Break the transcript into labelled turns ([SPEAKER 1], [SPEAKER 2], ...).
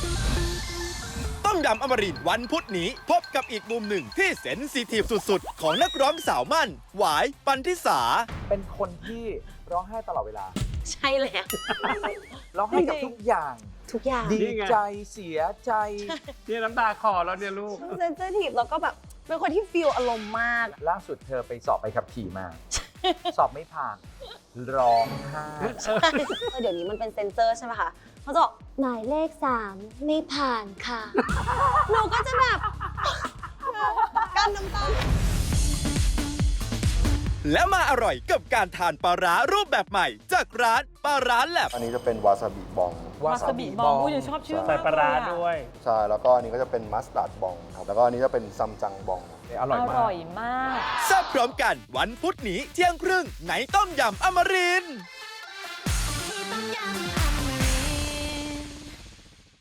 [SPEAKER 1] ต้มยำอมรินทร์วันพุธนี้พบกับอีกมุมหนึ่งที่เซนซิทีฟสุดๆ ของนักร้องสาวมั่น หวาย ปันธิสา
[SPEAKER 2] เป็นคนที่ร้องไห้ตลอดเวลา
[SPEAKER 3] ใช่แล้ว
[SPEAKER 2] ร้องไห้กับทุกอย่าง
[SPEAKER 3] ทุกอย่าง
[SPEAKER 2] ดีใจเสียใจ
[SPEAKER 4] เนี่ยน้ำตาคลอแล้วเนี่ยลูก
[SPEAKER 3] เซนซิทีฟแล้วก็แบบเป็นคนที่ฟีลอารมณ์มาก
[SPEAKER 2] ล่าสุดเธอไปสอบไปขับขี่มา สอบไม่ผ่าน ร้องไห้
[SPEAKER 3] เดี๋ยวนี้มันเป็นเซนเซอร์ใช่ไหมคะเขาจะบอกหมายเลข 3 ไม่ผ่านค่ะ หนูก็จะแบบกั้นน้ำตา
[SPEAKER 1] และมาอร่อยกับการทานปลาร้ารูปแบบใหม่จากร้านปลาร้าแลบ
[SPEAKER 5] อันนี้จะเป็นวาซาบิบอง
[SPEAKER 2] วาซาบิบอง
[SPEAKER 6] อุ้ยชอบชื่อ
[SPEAKER 4] ใส่ปลาร้าด้วย
[SPEAKER 5] ใช่ แล้วก็อันนี้ก็จะเป็นมัสตาร์ดบองครับ แล้วก็อันนี้จะเป็นซัมจังบอง
[SPEAKER 2] อร่อย
[SPEAKER 6] อ
[SPEAKER 2] มาก
[SPEAKER 6] ร่อยมาก
[SPEAKER 1] แซ่บพร้อมกันวันพุธนี้เที่ยงครึ่งในต้มยำอมรินทร์